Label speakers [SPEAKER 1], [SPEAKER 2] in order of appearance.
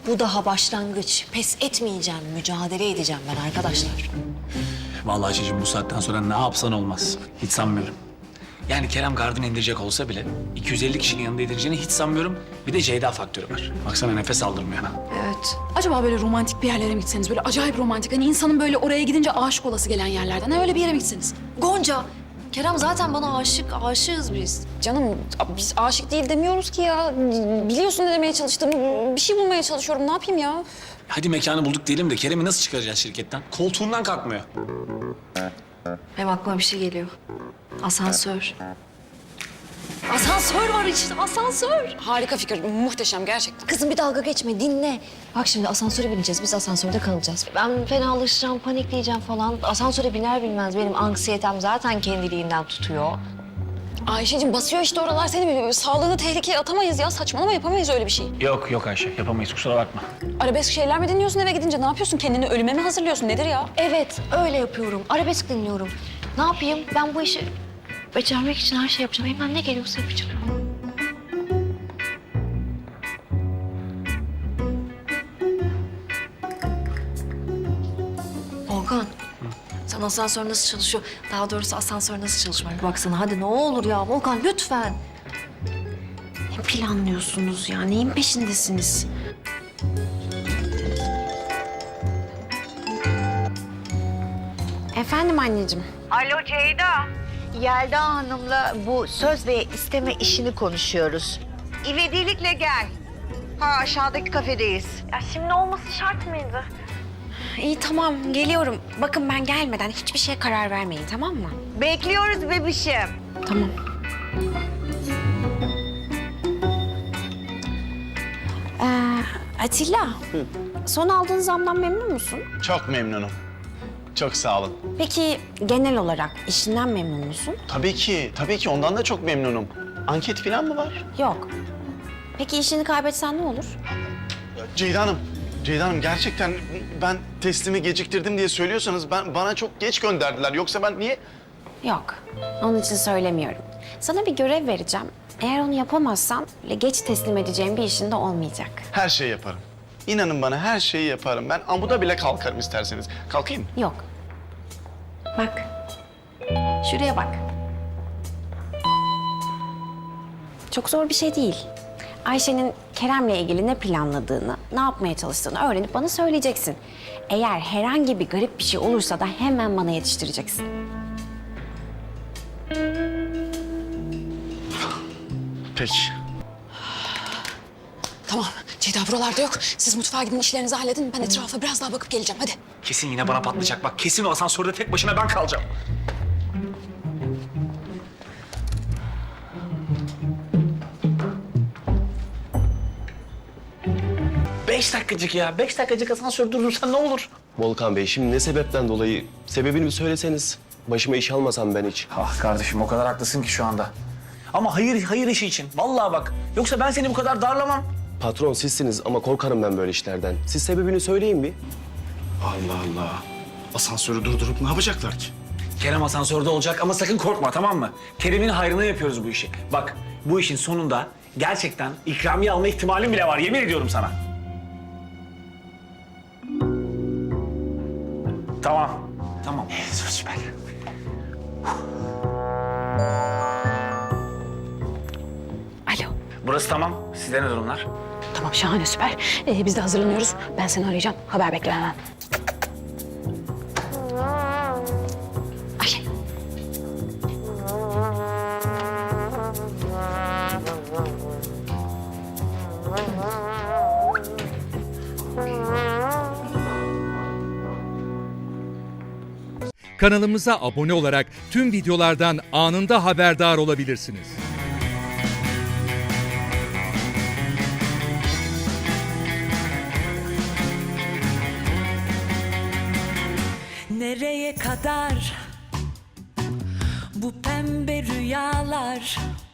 [SPEAKER 1] Bu daha başlangıç. Pes etmeyeceğim, mücadele edeceğim ben arkadaşlar.
[SPEAKER 2] Vallahi Ayşe'cim bu saatten sonra ne yapsan olmaz. Hiç sanmıyorum. Yani Kerem gardını indirecek olsa bile 250 kişinin yanında indireceğini hiç sanmıyorum. Bir de Ceyda faktörü var. Baksana nefes aldırmıyor ha.
[SPEAKER 1] Evet.
[SPEAKER 3] Acaba böyle romantik bir yerlere mi gitseniz? Böyle acayip romantik. Hani insanın böyle oraya gidince aşık olası gelen yerlerden. Ha, öyle bir yere mi gitseniz?
[SPEAKER 1] Gonca, Kerem zaten bana aşık, aşığız biz.
[SPEAKER 3] Canım biz aşık değil demiyoruz ki ya. Biliyorsun ne demeye çalıştığımı. Bir şey bulmaya çalışıyorum. Ne yapayım ya?
[SPEAKER 2] Hadi mekanı bulduk diyelim de Kerem'i nasıl çıkaracağız şirketten? Koltuğundan kalkmıyor.
[SPEAKER 1] Benim aklıma bir şey geliyor. Asansör. Asansör var işte, asansör.
[SPEAKER 3] Harika fikir. Muhteşem gerçekten.
[SPEAKER 1] Kızım bir dalga geçme, dinle. Bak şimdi asansöre bineceğiz, biz asansörde kalacağız. Ben fenalaşacağım, panikleyeceğim falan. Asansöre biner binmez benim anksiyetem zaten kendiliğinden tutuyor.
[SPEAKER 3] Ayşe'cim basıyor işte oralar seni. Sağlığını tehlikeye atamayız ya. Saçmalama, yapamayız öyle bir şey.
[SPEAKER 2] Yok Ayşe yapamayız kusura bakma.
[SPEAKER 3] Arabesk şeyler mi dinliyorsun eve gidince? Ne yapıyorsun? Kendini ölüme mi hazırlıyorsun? Nedir ya?
[SPEAKER 1] Evet, öyle yapıyorum. Arabesk dinliyorum. Ne yapayım? Ben bu işi becermek için her şey yapacağım. Elimden ne geliyorsa yapacağım. Volkan, sen asansör nasıl çalışıyor? Daha doğrusu asansör nasıl çalışıyor? Bir baksana hadi ne olur ya Volkan lütfen. Ne planlıyorsunuz ya? Neyin peşindesiniz?
[SPEAKER 3] Efendim anneciğim.
[SPEAKER 4] Alo Ceyda. Yelda Hanım'la bu söz ve isteme işini konuşuyoruz. İvedilikle gel. Ha aşağıdaki kafedeyiz.
[SPEAKER 5] Ya şimdi olması şart mıydı?
[SPEAKER 6] İyi tamam geliyorum. Bakın ben gelmeden hiçbir şeye karar vermeyin tamam mı?
[SPEAKER 4] Bekliyoruz bebişim.
[SPEAKER 6] Tamam. Atilla. Son aldığın zamdan memnun musun?
[SPEAKER 7] Çok memnunum. Çok sağ olun.
[SPEAKER 6] Peki genel olarak işinden memnun musun?
[SPEAKER 7] Tabii ki ondan da çok memnunum. Anket falan mı var?
[SPEAKER 6] Yok. Peki işini kaybetsen ne olur?
[SPEAKER 7] Ceyda Hanım gerçekten ben teslimi geciktirdim diye söylüyorsanız bana çok geç gönderdiler. Yoksa ben niye...
[SPEAKER 6] Yok. Onun için söylemiyorum. Sana bir görev vereceğim. Eğer onu yapamazsan geç teslim edeceğim bir işin de olmayacak.
[SPEAKER 7] Her şeyi yaparım. İnanın bana her şeyi yaparım. Ben amuda bile kalkarım isterseniz. Kalkayım mı?
[SPEAKER 6] Yok. Bak. Şuraya bak. Çok zor bir şey değil. Ayşe'nin Kerem'le ilgili ne planladığını, ne yapmaya çalıştığını öğrenip bana söyleyeceksin. Eğer herhangi bir garip bir şey olursa da hemen bana yetiştireceksin.
[SPEAKER 7] Peki.
[SPEAKER 3] Tamam. Ceyda buralarda yok. Siz mutfağa gidin işlerinizi halledin. Ben etrafa biraz daha bakıp geleceğim. Hadi.
[SPEAKER 2] Kesin yine bana patlayacak bak. Kesin o asansörde tek başına ben kalacağım. Beş dakikacık ya. 5 dakikacık asansör durdursan ne olur?
[SPEAKER 8] Volkan Bey, şimdi ne sebepten dolayı? Sebebini bir söyleseniz. Başıma iş almasam ben hiç.
[SPEAKER 2] Ah kardeşim o kadar haklısın ki şu anda. Ama hayır işi için. Vallahi bak. Yoksa ben seni bu kadar darlamam.
[SPEAKER 8] Patron sizsiniz ama korkarım ben böyle işlerden. Siz sebebini söyleyin bir.
[SPEAKER 7] Allah Allah. Asansörü durdurup ne yapacaklar ki?
[SPEAKER 2] Kerem asansörde olacak ama sakın korkma tamam mı? Kerem'in hayrına yapıyoruz bu işi. Bak bu işin sonunda gerçekten ikramiye alma ihtimalim bile var. Yemin ediyorum sana. Tamam. Süper.
[SPEAKER 6] Alo.
[SPEAKER 2] Burası tamam. Sizde ne durumlar?
[SPEAKER 3] Tamam şahane süper. Biz de hazırlanıyoruz. Ben seni arayacağım. Haber bekle hemen.
[SPEAKER 6] Ayşe.
[SPEAKER 9] Kanalımıza abone olarak tüm videolardan anında haberdar olabilirsiniz.
[SPEAKER 10] Nereye kadar bu pembe rüyalar,